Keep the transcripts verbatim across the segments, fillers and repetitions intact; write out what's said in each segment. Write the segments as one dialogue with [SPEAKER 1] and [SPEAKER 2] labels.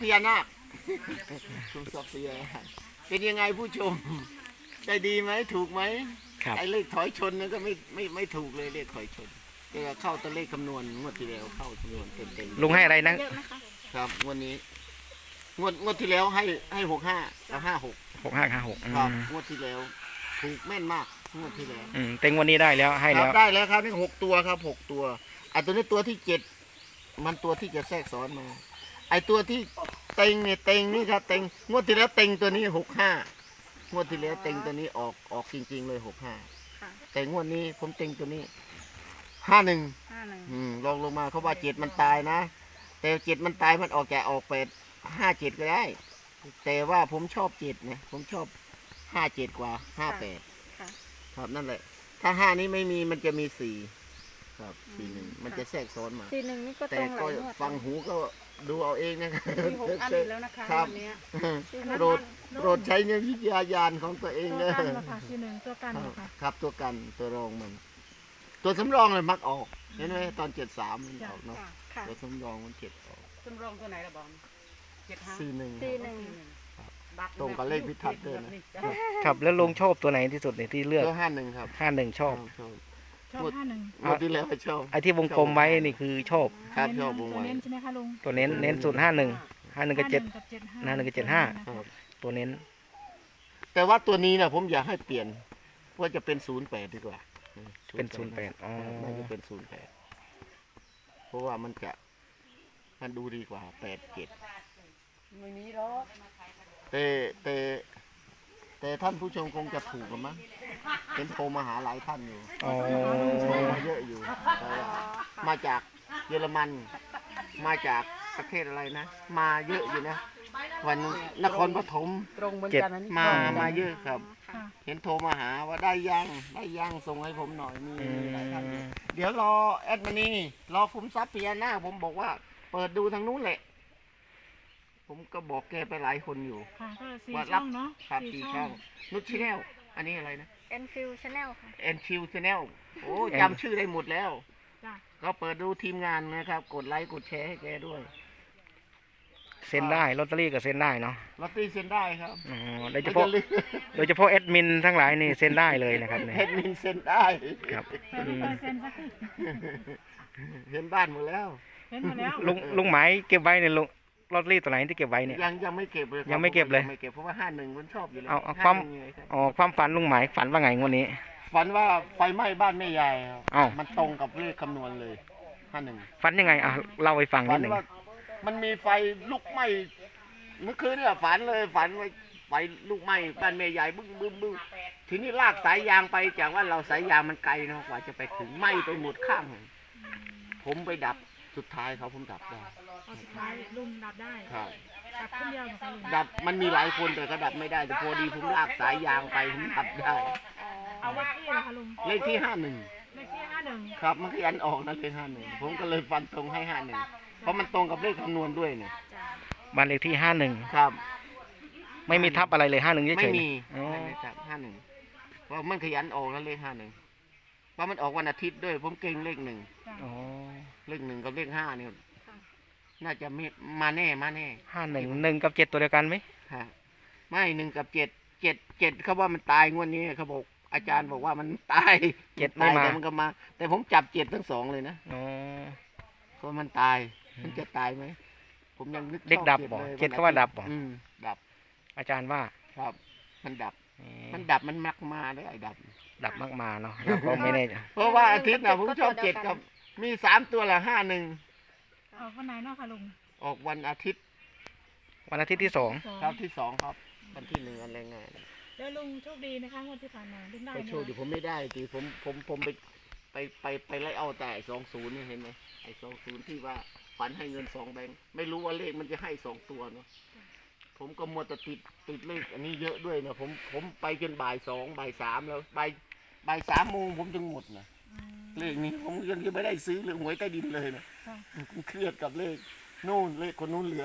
[SPEAKER 1] พญานาคชมทรัพย์พญานาคเป็นยังไงผู้ชมได้ดีไหมถูกไหมไอ้เลขถอยชนนั่นก็ไม่ไม่ไม่ถูกเลยเลขถอยชนแต่เข้าตัวเลขคำนวณงวดที่แล้วเข้าคำนวณเต็มเต็ม
[SPEAKER 2] ลุงให้อะไรนะครับ
[SPEAKER 1] งวดนี้งวดงวดที่แล้วให้ให้หกห้าเอาห้าหก
[SPEAKER 2] หกห้าห้าหก
[SPEAKER 1] ครับงวดที่แล้วถูกแม่นมากงวดที่แล้ว
[SPEAKER 2] อืมเต็งวันนี้ได้แล้วให้แล้ว
[SPEAKER 1] ได้แล้วครับนี่หกตัวครับหกตัวไอ้ตัวนี้ตัวที่เจ็ดมันตัวที่จะแทรกซ้อนมาไอ้ตัวที่เต็งเนี่ยเต็งนี่ครับเต็งงวดที่แล้วเต็งตัวนี้หกห้างวดที่แล้วเต็งตัวนี้ออกออกจริงๆเลยหกห้าแต่งวดนี้ผมเต็งตัวนี้ห้าหนึ่งลองลงมาเขาว่าเจ็ดมันตายนะแต่เจ็ดมันตายมันออกแกออกแปดห้าเจ็ดก็ได้แต่ว่าผมชอบเจ็ดเนี่ยผมชอบห้าเจ็ดกว่าห้าแปดครับนั่นแหละถ้าห้านี้ไม่มีมันจะมีสี่ครับสี่หนึ่งมันจะแทรกซ้อนมา
[SPEAKER 3] สี่หนึ่งนี่ก็ต
[SPEAKER 1] แต่
[SPEAKER 3] รงห
[SPEAKER 1] ก็
[SPEAKER 3] ลายงวด
[SPEAKER 1] ฟังหูก็ดูเอาเองนะครับ
[SPEAKER 3] มีหกอันอีกแล้วนะคะ
[SPEAKER 1] ครับ
[SPEAKER 3] วันนี้
[SPEAKER 1] โปรดโปรดใช้ในวิทยาญาณของตัวเอง
[SPEAKER 4] ตัว
[SPEAKER 1] นะ
[SPEAKER 4] กันเหรอคะสี่หนึ่งตัวกันเหรอคะ
[SPEAKER 1] ครับตัวกันตัวรองมัน ตัวสำรองเลยมักออกเห็นไหมตอนเจ็ดสามมันออกเนาะ
[SPEAKER 3] ค่ะ
[SPEAKER 1] ตัวสำรองมันเจ็ดออก
[SPEAKER 5] สำรองตัวไหนละบอลเจ็ดห้า
[SPEAKER 1] สี่หนึ่ง
[SPEAKER 3] สี่หนึ่ง
[SPEAKER 1] ตรงกับเลขพิทักษ์ด้วยนะ
[SPEAKER 2] ครับแล้วลุงชอบตัวไหนที่สุดเนี่ยที่เลือก
[SPEAKER 1] ตัวห้าหนึ่งครับ
[SPEAKER 2] ห้าหนึ่งชอบ
[SPEAKER 1] ชอบ
[SPEAKER 4] ชอบห้าหนึ่ง
[SPEAKER 1] งวดที่แล้วชอบ
[SPEAKER 2] ไอ้ที่วงกลมไว้นี่คือชอบ
[SPEAKER 1] ครับชอบวง
[SPEAKER 4] ตัว
[SPEAKER 1] ไว้
[SPEAKER 4] เน้นใช่ไหมคะลุง
[SPEAKER 2] ตัวเน้นเน้นสุดห้าหนึ่งห้าหนึ่งกับเจ็ด
[SPEAKER 4] กับเจ็ดห้า
[SPEAKER 2] ห้าหนึ่งกับเจ็ดห้า
[SPEAKER 1] ครับ
[SPEAKER 2] ตัวเน้น
[SPEAKER 1] แต่ว่าตัวนี้นะผมอยากให้เปลี่ยนว่าจะเป็นศูนย์แปดดีกว่า
[SPEAKER 2] เป็นศูนย์แปดอ๋อ
[SPEAKER 1] น่าจะเป็นศูนย์แปดเพราะว่ามันจะมันดูดีกว่าแปดเจ็ด
[SPEAKER 5] ไม่มีหรอก
[SPEAKER 1] แต่แต่แต่ท่านผู้ชมคงจะถูกกันมั้งเห็นโทรมาหาหลายท่านอยู่
[SPEAKER 2] อ๋อ
[SPEAKER 1] โทรมาเยอะอยู่แต่ว่ามาจากเยอรมัน มาจากประเทศอะไรนะ มาเยอะอยู่นะ วันนครปฐม
[SPEAKER 5] ตรงเหมือนกันนะนี่
[SPEAKER 1] มามาเยอะครับ
[SPEAKER 4] ค่ะ
[SPEAKER 1] เห็นโทรมาหาว่าได้ยังได้ยังส่งให้ผมหน่อยมี
[SPEAKER 2] อื
[SPEAKER 1] หลายท่านอยู่
[SPEAKER 2] ม
[SPEAKER 1] เดี๋ยวรอแอดมานี่รอคุ้มทรัพย์พญานาคผมบอกว่า เปิดดูทางนู้นแหละ ผมก็บอกแกไปหลายคนอยู่
[SPEAKER 4] ค่ะก็สี่
[SPEAKER 1] ว่า
[SPEAKER 4] ช่
[SPEAKER 1] รั
[SPEAKER 4] องเนาะ
[SPEAKER 1] ครับ
[SPEAKER 4] สี่
[SPEAKER 1] สี่
[SPEAKER 4] ช่
[SPEAKER 1] ช่
[SPEAKER 4] อ
[SPEAKER 1] อง งนุชชแนลอันนี้อะไรนะ
[SPEAKER 3] เอ็นฟิวชาแนลค่ะ
[SPEAKER 1] แอนชิวชแนลโอ้
[SPEAKER 2] แอน
[SPEAKER 1] จำชื่อได้หมดแล้ว
[SPEAKER 4] จ้ะ
[SPEAKER 1] ก็เปิดดูทีมงานนะครับ กดไลค์กดแชร์ให้แกด้วย
[SPEAKER 2] เซ็นได้ลอตเตอรี่ก็เซ็นได้เนาะ
[SPEAKER 1] ลอตเตอรี่เซ็นได้ครับ
[SPEAKER 2] อ๋อโดยเฉพาะ
[SPEAKER 1] ไม่ลืม
[SPEAKER 2] โดยเฉพาะแอดมินทั้งหลายนี่เซ็นได้เลยนะครับเนี่ย
[SPEAKER 1] แอดมินเซ็นได้
[SPEAKER 2] ครับ
[SPEAKER 4] แปดสิบเปอร์เซ็นต์สักที
[SPEAKER 1] เห็นบ้านหมดแล้ว
[SPEAKER 4] เห็นหมดแล้ว
[SPEAKER 2] ลุงลุงหมายเก็บไว้เนี่ยลุงลอตเตอรี่ตัวไหนที่เก็บไว้เนี่ย
[SPEAKER 1] ยังยังไม่เก็บเลยครับ
[SPEAKER 2] ยังไม่เก็บเลย
[SPEAKER 1] งไม่เก็บเพราะว่าห้าหนึ่งมันชอบอยู่แล้ว
[SPEAKER 2] เอาเอา
[SPEAKER 1] ห้
[SPEAKER 2] ความ
[SPEAKER 1] หนึ่งไงครับ
[SPEAKER 2] อ๋อความฝันลุงหมายฝันว่าไงงวันนี้
[SPEAKER 1] ฝันว่าไฟไหม้บ้านแม่ยายครับ
[SPEAKER 2] อ้าว
[SPEAKER 1] มันตรงกับเลขคำนวณเลยห้าหนึ่ง
[SPEAKER 2] ฝันยังไงอ่ะเล่าให้ฟัง
[SPEAKER 1] ฝั
[SPEAKER 2] นิ
[SPEAKER 1] น
[SPEAKER 2] ดหนึ่ง
[SPEAKER 1] ว่ามันมีไฟลุกไหม้เมื่อคืนเนี่ยฝันเลยฝันว่าไฟลุกไหม้บ้านแม่ยายบึ้งบึ้งบึ้งทีนี้ลากสายยางไปจากว่าเราสายยางมันไกลเนาะกว่าจะไปถึงไหม้ไปหมดข้าง ผมไปดับสุดท้ายเขาผมดับได้
[SPEAKER 4] เอาสุดท้ายลุงดับได้
[SPEAKER 1] ครับ
[SPEAKER 4] ดับคนเดียวเหรอคะลุง
[SPEAKER 1] ดับมันมีหลายคนแต่ก็ดับไม่ได้แต่พอดีผมลากสายยางไปผมดับได้
[SPEAKER 4] เอาเลขที่เหรอคะลุง
[SPEAKER 1] เลขที่ห้าหนึ่ง
[SPEAKER 4] เลขที่ห้าหนึ่ง
[SPEAKER 1] ครับมันขยันออกนะเลขห้าหนึ่งผมก็เลยฟันตรงให้ห้าหนึ่งเพราะมันตรงกับเลขคำนวณด้วยเนี่ย
[SPEAKER 2] บ้านเลขที่ห้าหนึ่ง
[SPEAKER 1] ครับ
[SPEAKER 2] ไม่มีทับอะไรเลยห้าหนึ่งเฉยๆ
[SPEAKER 1] ไม่มี
[SPEAKER 2] อ๋อ
[SPEAKER 1] ไม่มีครับห้าหนึ่งเพราะมันขยันออกนะเลขห้าหนึ่งเพราะมันออกวันอาทิตย์ด้วย ผมเก่งเลขหนึ่ง
[SPEAKER 4] จ้ะ
[SPEAKER 2] อ๋อ
[SPEAKER 1] เลขหนึ่งกับเลขห้าเนี่ยน่าจะมีมาแน่มาแน่
[SPEAKER 2] ห้าหนึ่งหนึ่งกับเจ็ดตัวเดียวกันไหม
[SPEAKER 1] ฮะไม่หนึ่งกับเจ็ดเจ็ดเจ็ดเขาว่ามันตายงวดนี้เขาบอกอาจารย์บอกว่ามันตาย
[SPEAKER 2] เจ็ดไม่
[SPEAKER 1] ตาย
[SPEAKER 2] มา
[SPEAKER 1] แต่มันก็มา แต่ผมจับเจ็ดทั้งสองเลยนะ
[SPEAKER 2] อ๋อ
[SPEAKER 1] เพราะมันตาย มันจะตายไหมผมยังนึกชอบ
[SPEAKER 2] เด็กดับบ่
[SPEAKER 1] ลย
[SPEAKER 2] เจ็ดเขาว่าดับบ่
[SPEAKER 1] อืมดับ
[SPEAKER 2] อาจารย์ว่า
[SPEAKER 1] ครับ มันดับ
[SPEAKER 2] เอ๊ะ
[SPEAKER 1] มันดับมันมักมาได้ไอ้ดับ
[SPEAKER 2] ดับมากมาเนาะเราก็ไม่แน่ใจ
[SPEAKER 1] เพราะว่าอาทิตย์นะผมชอบเจ็ดกับ มีสามตัวละห้าหนึ่ง
[SPEAKER 4] เอาคนไหนเนาะคะลุง
[SPEAKER 1] ออกวันอาทิตย์
[SPEAKER 2] วันอาทิตย์ที่สอง
[SPEAKER 4] สอง
[SPEAKER 1] ครับที่สองครับ วันที่หนึ่งวันแรงงาน
[SPEAKER 4] แล้วลุงโชคดีนะคะงวดที่ผ่านมาลุงได้
[SPEAKER 1] ก็
[SPEAKER 4] ไหม
[SPEAKER 1] โชว์ดิผมไม่ได้ทีผมผมผมไปไปไปไปไล่เอาแต่สองศูนย์นี่เห็นไหมไอ้สองศูนย์ที่ว่าฝันให้เงินสองแบงค์ไม่รู้ว่าเลขมันจะให้สองตัวเนาะผมก็มัวแต่ติดติดเลขอันนี้เยอะด้วยนะผมผมไปจนบ่ายสองบ่ายสามแล้วบ่ายบ่ายสามโมงผมจึงหมดนะ
[SPEAKER 4] อืม
[SPEAKER 1] เลขนี้ผมยังไม่ได้ซื้อเลยหวยใต้ดินเลยนะ
[SPEAKER 4] ค่ะ
[SPEAKER 1] ผมเครียดกับเลขนู่นเลขคนนู้นเหลือ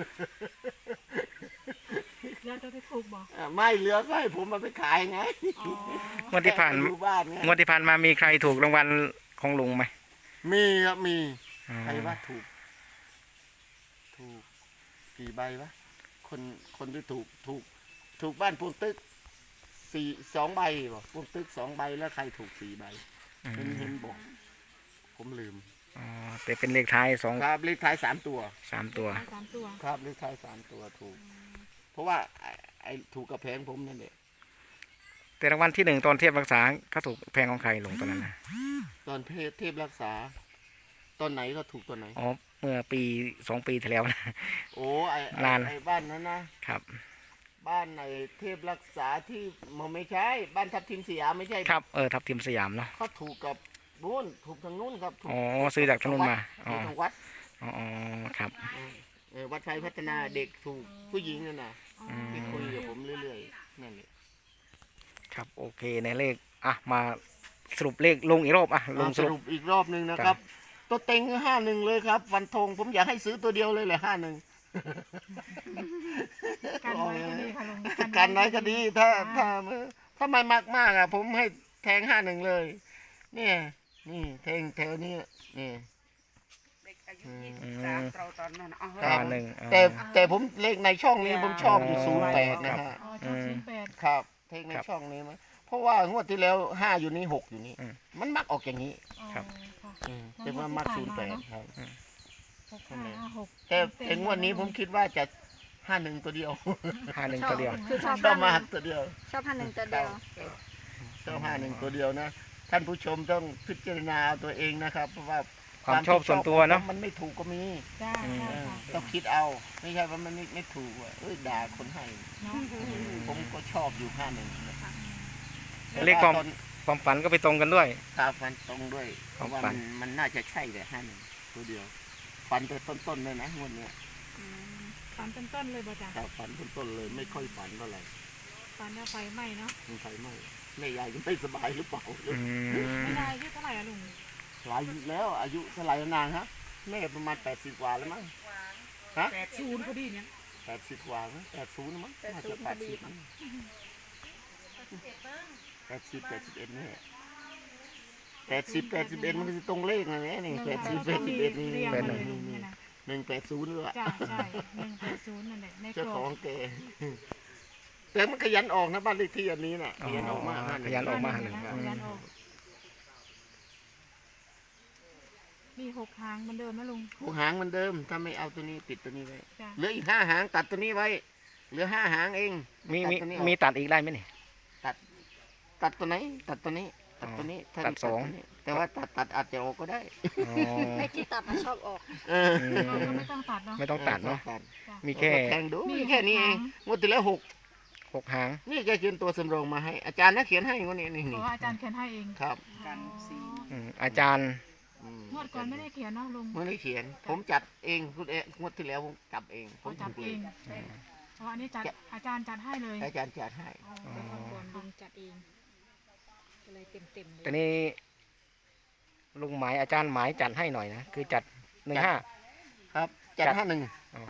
[SPEAKER 4] แล้วจะได้ถูกบอก
[SPEAKER 1] อ่ะไม่เหลือก็ให้ผมมาไปขายไง
[SPEAKER 4] อ๋อ
[SPEAKER 2] งวดที่ผ่าน
[SPEAKER 1] แค่ไปดูบ้านไง
[SPEAKER 2] งวดที่ผ่านมามีใครถูกรางวัลของลุงไหม
[SPEAKER 1] มีครับมี
[SPEAKER 2] อ๋อ
[SPEAKER 1] ใครว่าถูก ถูกกี่ใบวะคนคนที่ถูกถูกถูกบ้านพวงตึกสี่สองใบบอกพวงตึกสองใบแล้วใครถูกสี่ใบ
[SPEAKER 2] อื
[SPEAKER 1] เห็น
[SPEAKER 2] ม
[SPEAKER 1] เห็นบอก ผมลืม
[SPEAKER 2] อ๋อแต่เป็นเลขท้ายสอง
[SPEAKER 1] ครับเลขท้ายสามตัว
[SPEAKER 2] สามตัว
[SPEAKER 4] สามตัว
[SPEAKER 1] ครับเลขท้ายสามตัวถูก เพราะว่าไอ้ไอ้ถูกกับแพงผมนั่นแหละ
[SPEAKER 2] แต่รางวัลที่หนึ่งตอนเทียบรักษาเขาถูกแพงของใครลงตอนนั้นนะ
[SPEAKER 1] ตอนเพศเทพรักษา ตอนไหนก็ถูกตอนไหน
[SPEAKER 2] อ๋อเมื่อปีสองปีที่แล้วนะ
[SPEAKER 1] โอ้ไอ้ไอ้
[SPEAKER 2] นาน
[SPEAKER 1] ไอ้บ้านนั้นนะครับ บ้านไอ้เทพรักษาที่มันไม่ใช่ บ้านทับทิมสยามไม่ใช่
[SPEAKER 2] ครับเออทับทิมสยามเนาะ
[SPEAKER 1] เขาถูกกับนู้นถูกทางนู้นครับถูก
[SPEAKER 2] อ๋อซื้อจากทางนู้นมาอ๋อ
[SPEAKER 1] ถูกทางวัด
[SPEAKER 2] อ๋ออ๋อครับ
[SPEAKER 1] เออวัดไฟพัฒนาเด็กถูกผู้หญิงนั่นน่ะ
[SPEAKER 2] อืม
[SPEAKER 1] ที่คุยกับผมเรื่อยๆนั่นแหละ
[SPEAKER 2] ครับโอเคในเลขอ่ะมาสรุปเลขลงอีกรอบอ่ะลง
[SPEAKER 1] อ่า
[SPEAKER 2] ส
[SPEAKER 1] ส
[SPEAKER 2] รุ
[SPEAKER 1] รุ
[SPEAKER 2] ป
[SPEAKER 1] ปอีกรอบหนึ่งนะครับ ตัวเต็งห้าหนึ่งเลยครับฟันธงผมอยากให้ซื้อตัวเดียวเลยแหละห้าหนึ่ง
[SPEAKER 4] กันไว้ก็ดีค่ะลุง
[SPEAKER 1] กันไหนก็ดีถ้า
[SPEAKER 4] อ่
[SPEAKER 1] ถ้าถ้าไม่มากมากๆอ่ะ ผมให้แทงห้าหนึ่งเลย เนี่ยนี่แทงแถวนี้นี่
[SPEAKER 5] เด็กอายุยี่สิบสามเราตอนนั้นเอา
[SPEAKER 1] ครั
[SPEAKER 2] ห้า
[SPEAKER 1] บ
[SPEAKER 2] หนึ่งอ๋อ
[SPEAKER 1] แต่แต่ผมเลขในช่องนี้ผมชอบอยู่
[SPEAKER 2] อ๋อ
[SPEAKER 1] ศูนย์แปดนะฮะ
[SPEAKER 4] อ๋อชอบศูนย์แปด
[SPEAKER 1] ครับเทคใน
[SPEAKER 2] ครับ
[SPEAKER 1] ช่องนี้มั้ยเพราะว่างวดที่แล้วห้าอยู่นี่หกอยู่นี่
[SPEAKER 2] อืม
[SPEAKER 1] มันมักออกอย่างนี้
[SPEAKER 4] อ๋อ
[SPEAKER 2] ครับ
[SPEAKER 4] ค่ะ
[SPEAKER 1] อืมแต่ว่ามักศูนย์แปดครับ
[SPEAKER 4] หกห้าห้าหก
[SPEAKER 1] แต่แต่งวดนี้ผมคิดว่าจะห้าหนึ่งตัวเดียว
[SPEAKER 2] ห้าหนึ่งตัวเดียว
[SPEAKER 3] คือชอบ
[SPEAKER 1] ชอบ
[SPEAKER 3] ห้าห
[SPEAKER 1] มา
[SPEAKER 3] นึ่
[SPEAKER 1] ก
[SPEAKER 3] ง
[SPEAKER 1] ตัวเดียว
[SPEAKER 3] ชอบห้าหนึ่งตัวเดียว
[SPEAKER 1] ชอบห้าหนึ่งตัวเดียวนะ ท่านผู้ชมต้องพิจารณาเอาตัวเองนะครับ เพราะว่า
[SPEAKER 2] ความชอบส่วนตัวเนาะ
[SPEAKER 1] มันไม่ถูกก็มี
[SPEAKER 4] จ้า
[SPEAKER 2] อืม
[SPEAKER 4] ใช่
[SPEAKER 1] เออ
[SPEAKER 4] ค่ะ
[SPEAKER 1] ต้องคิดเอา ไม่ใช่ว่ามันไม่ไม่ถูกอ่ะเอ้ยด่าคนให้
[SPEAKER 4] เนาะ
[SPEAKER 1] ผมก็ชอบอยู่ห้าหนึ่ง
[SPEAKER 2] เลขความความฝันก็ไปตรงกันด้วย
[SPEAKER 1] ตาฟันตรงด้วยเพราะว่า
[SPEAKER 2] ฝั
[SPEAKER 1] มัน นมันน่าจะใช่แต่ห้าหนึ่งตัวเดียว ฟันแต่ต้นๆเลยนะงวดเนี้ย
[SPEAKER 4] ฝันต้นๆเลยบ่จ้ะ
[SPEAKER 1] ครับฟันต้นๆเลยไม่ค่อยฝันเท่าไหร่
[SPEAKER 4] ฝันว่าไฟไหม้เนาะ
[SPEAKER 1] มันไฟไหม้แม่ยายก็ไม่สบายหรือเปล่า
[SPEAKER 2] อืม
[SPEAKER 4] ไม่ได้อายุเท่าไหร่อะลุง
[SPEAKER 1] หลายยุคแล้วอายุเท่าไหร่แล้วนางฮะแม่ประมาณแปดสิบกว่าแล้วมั้งฮะ
[SPEAKER 5] แปดศูนย์พอดีเนี่ย
[SPEAKER 1] แปดสิบกว่ามั้งแปดศูนย์มั้งน่าจะแปดสิบแปดสิบแปดสิบเอ็ดนี่แปดสิบแปดสิบเอ็ดมันก็จะตรงเลขนะเนี่ยนี่แปดสิบแปดสิบเอ็ดนี่
[SPEAKER 4] เรียง
[SPEAKER 1] นี่
[SPEAKER 4] มาเลยลุงเนี่ยนะ
[SPEAKER 1] หนึ่งแปดศูนย์ด้วย
[SPEAKER 4] จ้าใช่หนึ่งแปดศูนย์นั่นแหละในก
[SPEAKER 1] เจ้าร
[SPEAKER 4] อ
[SPEAKER 1] ข
[SPEAKER 4] บ
[SPEAKER 1] องแกแต่มันขยันออกนะบ้านเลขที่อันนี้น่ะ
[SPEAKER 2] อ๋
[SPEAKER 1] ขยันออกมาก
[SPEAKER 2] อขยันออกมาหนึ่ง
[SPEAKER 4] นะยันออกมีหกหางเหมือนเดิมนะลุง
[SPEAKER 1] หกหางเหมือนเดิม ถ้าไม่เอาตัวนี้ติดตัวนี้ไว้
[SPEAKER 4] จ้ะ
[SPEAKER 1] เหลืออีกห้าหางตัดตัวนี้ไว้ เหลือห้าหางเอง
[SPEAKER 2] มีมี
[SPEAKER 1] ตัดตัวนี้ออก
[SPEAKER 2] มีตัดอีกได้ไหมนี่
[SPEAKER 1] ตัด ตัดตัวไหน ตัดตัวนี้ ตัดตัวนี้ถ้า
[SPEAKER 2] ตัดสอง
[SPEAKER 1] ตัวนี้แต่ว่าตัดตัดอาจจะออกก็ได้
[SPEAKER 2] อ๋อ
[SPEAKER 3] ไอ้ที่ตัดมาชอบออก
[SPEAKER 1] เออ
[SPEAKER 2] อื
[SPEAKER 4] เราก็
[SPEAKER 2] ม
[SPEAKER 4] ไม่ต้องตัดเนาะ
[SPEAKER 2] ไม่ต้องตัดเนาะ
[SPEAKER 1] ตัด
[SPEAKER 4] จ้ะ
[SPEAKER 2] มีแค่
[SPEAKER 1] แทงดู
[SPEAKER 4] มี
[SPEAKER 1] มีแค่นี้เอง
[SPEAKER 4] หกหาง
[SPEAKER 1] งวดที่แล้วหก
[SPEAKER 2] หกหาง
[SPEAKER 1] นี่แกเขียนตัวสำรองมาให้ อาจารย์นะเขียนให้งวดนี้นี่
[SPEAKER 4] เพ
[SPEAKER 1] นี่
[SPEAKER 4] ราะว่าอาจารย์เขียนให้เอง
[SPEAKER 1] ครับ
[SPEAKER 5] กันสี่
[SPEAKER 2] อืมอาจารย์
[SPEAKER 1] อืม
[SPEAKER 4] งวดก่อนไม่ได้เขียนเนาะลุง
[SPEAKER 1] ไม่ได้เขียน ผมจัดเองคุณเอ๊ะงวดที่แล้วผมจับเอง ผ
[SPEAKER 4] เขา
[SPEAKER 1] ม
[SPEAKER 4] จับ
[SPEAKER 1] ถูก
[SPEAKER 4] เอ
[SPEAKER 1] เลย
[SPEAKER 4] งเพราะอันนี้จัดอาจารย์จัดให้เลย
[SPEAKER 1] อาจารย์จัดให้
[SPEAKER 4] อ๋อ
[SPEAKER 3] ก่อนลุงจัดเองก็เลยเต็มเต็มๆเลย
[SPEAKER 2] แต่นี่ลุงหมายอาจารย์หมายจัดให้หน่อยนะคือจัดหนึ่งห้า
[SPEAKER 1] ครับ จัด
[SPEAKER 2] จัด
[SPEAKER 1] ห้าหนึ่ง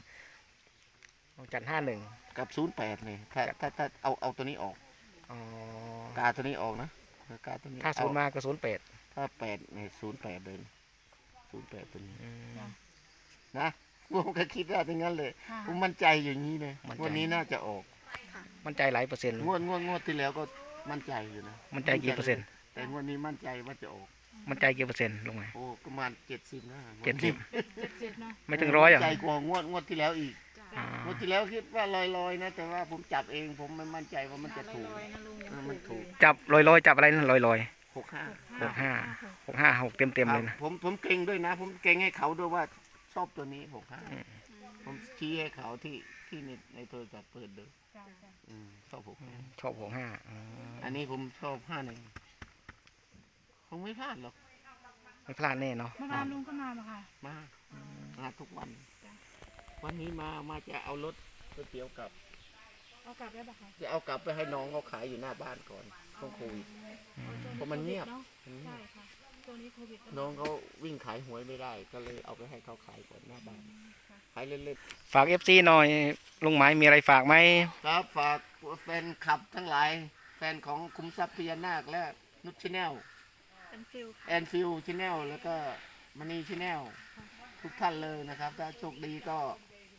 [SPEAKER 2] จัดห้าหนึ่ง
[SPEAKER 1] กับศูนย์แปดเลยถ้าถ้าถ้าเอาเอาตัวนี้ออก
[SPEAKER 2] อ๋อก
[SPEAKER 1] าตัวนี้ออกนะกาตัวนี้
[SPEAKER 2] ถ้าศูนย์
[SPEAKER 1] เอ
[SPEAKER 2] มาก็ศูนย์แปด
[SPEAKER 1] ถ้าแปดเนี่ยศูนย์แปดเลยศูนย์แปดตัวนี้
[SPEAKER 2] อืม
[SPEAKER 1] นะผมก็คิดว่าอย่างนั้นเลย
[SPEAKER 4] ค่ะ
[SPEAKER 1] ผมมั่นใจอย่างนี้เลย
[SPEAKER 2] มั่นใจ
[SPEAKER 1] งวันนี้น่าจะออก
[SPEAKER 2] มั่นใจหลายเปอร์เซ็นต์
[SPEAKER 1] งวดงวดงวดที่แล้วก็มั่นใจอยู่นะ
[SPEAKER 2] มั่นใจกี่เปอร์เซ็นต์
[SPEAKER 1] แต่งวดนี้มั่นใจว่าจะออก
[SPEAKER 2] มั่นใจกี่เปอร์เซ็นต์ลุงหมาย
[SPEAKER 1] โอ้ประมาณเจ็ดสิบนะ
[SPEAKER 2] เจ็ดสิบ
[SPEAKER 4] เจ็ดสิบเนาะ
[SPEAKER 2] ไม่ถึงร้อยอ่ะ
[SPEAKER 1] ใจกว่างวดงวดที่แล้วอีก
[SPEAKER 2] อ๋อง
[SPEAKER 1] วดที่แล้วคิดว่าลอยๆนะ แต่ว่าผมจับเองผมไม่มั่นใจว่ามันจะถูก
[SPEAKER 3] ลอยๆนะลุงยัง
[SPEAKER 1] เออมันถูก
[SPEAKER 2] จับลอยลอยๆจับอะไรนั่นลอยลอย
[SPEAKER 1] หกห้า
[SPEAKER 2] หกห้าหกห้าหกเต็มเต็มๆเลย
[SPEAKER 1] ครั
[SPEAKER 2] นะ
[SPEAKER 1] บผมผมเก่งด้วยนะ ผมเก่งให้เขาด้วยว่าชอบตัวนี้หกห้าผมชี้ให้เขาที่ที่ในในโทรศัพท์เปิดดู
[SPEAKER 4] จ้ะจ้ะ
[SPEAKER 1] อืมชอบหกห้า
[SPEAKER 2] ชอบหกห้าอ๋อ
[SPEAKER 1] อันนี้ผมชอบห้าหนึ่งคงไม่พลาดหรอก
[SPEAKER 2] ไม่พลาดแน่เนาะ
[SPEAKER 4] เมื่อวานลุงก็มาปะค่ะ
[SPEAKER 1] มามาทุกวัน
[SPEAKER 4] จ้ะ
[SPEAKER 1] วันนี้มามาจะเอารถก๋วยเตี๋ยวกลับ
[SPEAKER 4] เอากลับได้ปะคะ
[SPEAKER 1] จะเอากลับไปให้น้องเขาขายอยู่หน้าบ้านก่อนช่วงโควิด เพราะมันเงียบ
[SPEAKER 4] เนาะใช่ค่ะตัวนี้โควิด
[SPEAKER 1] น้องเขาวิ่งขายหวยไม่ได้ ก็เลยเอาไปให้เขาขายก่อนหน้าบ้านขายเล่น
[SPEAKER 2] ฝากเอฟซีหน่อยลุงหมายมีอะไรฝากไหม
[SPEAKER 1] ๆครับฝากแฟนคลับทั้งหลาย แฟนของคุมทรัพย์พญานาคและนุชชแนล
[SPEAKER 3] เป็นฟิลค่ะ
[SPEAKER 1] แอนฟิลชแนลแล้วก็มณีชแนลทุกท่านเลยนะครับ ถ้าโชคดีก็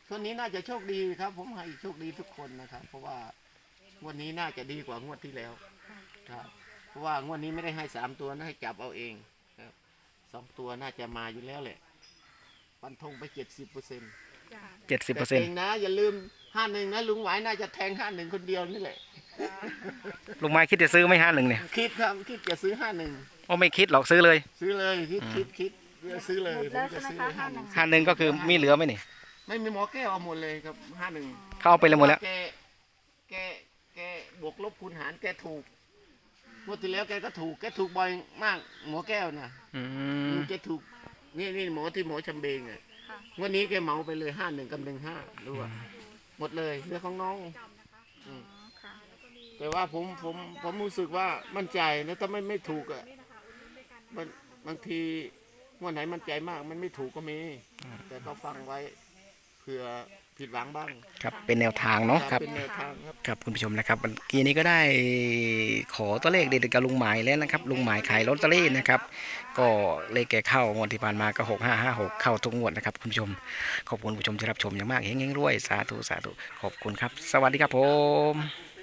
[SPEAKER 1] คนนี้น่าจะโชคดีครับ ผมให้โชคดีทุกคนนะครับ เพราะว่างวดนี้น่าจะดีกว่างวดที่แล้วครับ เพราะว่างวดนี้ไม่ได้ให้สามตัวนะให้จับเอาเองครับสองตัวน่าจะมาอยู่แล้วแหละฟันธงไปเจ็ดสิบเปอร์เซ็นต์
[SPEAKER 4] จ้ะ
[SPEAKER 2] เจ็ดสิบเปอ
[SPEAKER 1] แต่
[SPEAKER 2] ร์เซ็นต์
[SPEAKER 1] เองนะอย่าลืมห้าหนึ่งนะลุงหวายน่าจะแทงห้าหนึ่งคนเดียวนี่แหละ
[SPEAKER 2] ลุงไม้คิดจะซื้อไหม่ห้าหนึ่งเนี่ย
[SPEAKER 1] คิดครับคิดจะซื้อห้าหนึ่ง
[SPEAKER 2] โอ้ไม่คิดหรอกซื้อเลย
[SPEAKER 1] ซื้อเลยคิดคิดคิดจะซื้อเลย
[SPEAKER 3] หมด
[SPEAKER 1] ผ
[SPEAKER 3] แล้
[SPEAKER 1] ม
[SPEAKER 3] ว
[SPEAKER 1] จะ
[SPEAKER 3] ใช่ไหม
[SPEAKER 1] ซื้อ
[SPEAKER 3] คะ
[SPEAKER 1] เลย
[SPEAKER 3] ห้า
[SPEAKER 1] ห้า
[SPEAKER 3] ห
[SPEAKER 1] ห
[SPEAKER 3] นึ่
[SPEAKER 1] นึ่
[SPEAKER 3] ง
[SPEAKER 1] ง
[SPEAKER 2] ห้าหนึ่งก็คือมีเหลือไหมนี่
[SPEAKER 1] ไม่มีหมอแก้วเอาหมดเลยครับห้าหนึ่ง
[SPEAKER 2] เขาเอาไปเลยหมดแล้ว
[SPEAKER 1] แกแกแกบวกลบคูณหารแกถูกงวดที่แล้วแกก็ถูกแกถูกบ่อยมากหมอแก้วนะ
[SPEAKER 2] อืม
[SPEAKER 1] แกถูกนี่นี่หมอที่หมอชำเบงอ่ะ
[SPEAKER 3] ค่ะ
[SPEAKER 1] งวันนี้แกเหมาไปเลยห้าหนึ่งกับหนึ่งห้ารู้ว่าหมดเลยเรื่องของน้องอืม
[SPEAKER 3] อ๋อค่ะ
[SPEAKER 1] แต่ว่าผมผมผมรู้สึกว่ามั่นใจนะถ้าไม่ไม่ถูกอ่ะมันบางทีงวันไหนมั่นใจมากมันไม่ถูกก็มี แต่ก็ฟังไว้เผื่อผิดหวังบ้าง
[SPEAKER 2] ครับเป็นแนวทางเนาะครับ
[SPEAKER 1] เป็นแนวทางครับ
[SPEAKER 2] ครับคุณผู้ชมนะครับเมื่อกี้นี้ก็ได้ขอตัวเลขเด็ดๆกับลุงหมายแล้วนะครับลุงหมายขายลอตเตอรี่นะครับก็เลขแกเข้างวดที่ผ่านมาก็หกห้าห้าหกเข้าทุกงวดนะครับคุณผู้ชมขอบคุณผู้ชมที่รับชมอย่างมากเฮงๆรวยสาธุสาธุขอบคุณครับ สวัสดีครับผม